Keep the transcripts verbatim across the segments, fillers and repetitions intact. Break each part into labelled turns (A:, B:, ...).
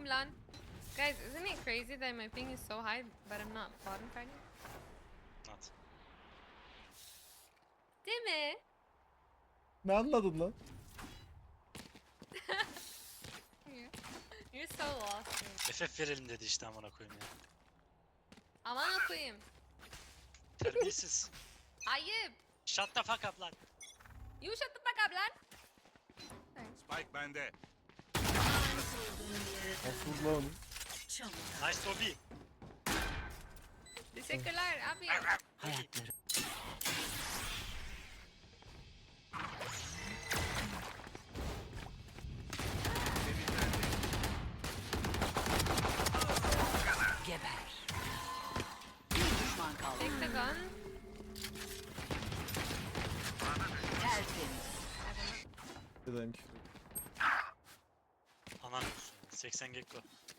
A: lan. Guys, isn't it crazy that my ping is so high, but I'm not bottom fighting?
B: Not.
A: Değil mi?
C: Ne anladın lan?
A: You're so lost. man.
B: F F verelim dedi işte amına koyayım ya.
A: Aman okuyayım.
B: Terbiyesiz.
A: Ayıp.
B: Shut the fuck up lan.
A: You shut the fuck up lan.
D: Spike bende.
C: Asıl lan onu.
B: Nice Toby.
A: Teşekkürler abi.
B: Hayatları.
E: Geber. Bir düşman kaldı.
A: Take the gun.
E: Tertemiz.
C: Dedeyim ki.
B: Anan olsun. seksen gekko.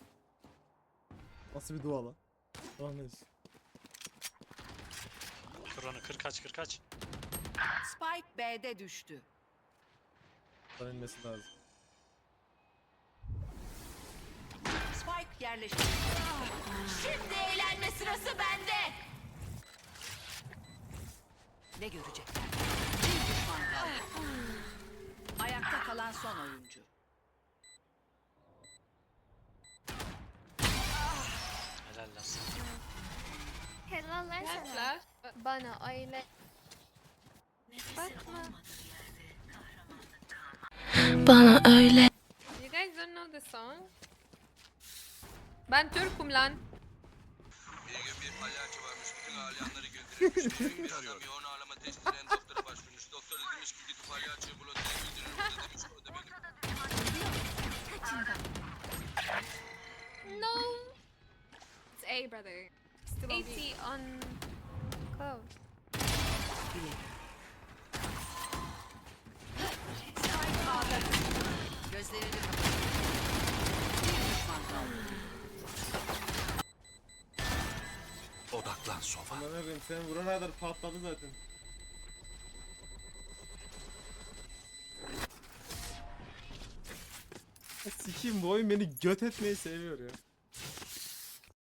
C: Nasıl bir dua lan? Tamam neyse.
B: Kır onu kır kaç kır kaç.
E: Spike B'de düştü.
C: Buradan inmesi lazım.
E: Spike yerleşti.
A: Şimdi eğlenme sırası bende.
E: Ne görecekler? Bir düşman kaldı. Ayakta kalan son oyuncu.
B: Helal lan sana.
F: Helaller
A: Gel
F: sana.
A: flash.
F: Bana öyle bakma.
G: Bana öyle
A: You guys don't know the song? Ben Türk'üm lan.
H: Bir gün bir palyaço varmış, bütün ağlayanları güldürürmüş. Bir gün bir adam yoğun ağlama testinden doktora başvurmuş. Doktor da demiş ki gidip palyaçoyu bulun diye güldürür. O da demiş o da benim.
A: No.
F: It's A brother. Still on B.
A: eighty on close.
E: Spike A'da düştü. Gözlerini kapat. Bir düşman kaldı.
D: Odaklan sofa.
C: Aman abim sen vurana kadar patladı zaten. Ya sikiyim bu oyun beni göt etmeyi seviyor ya.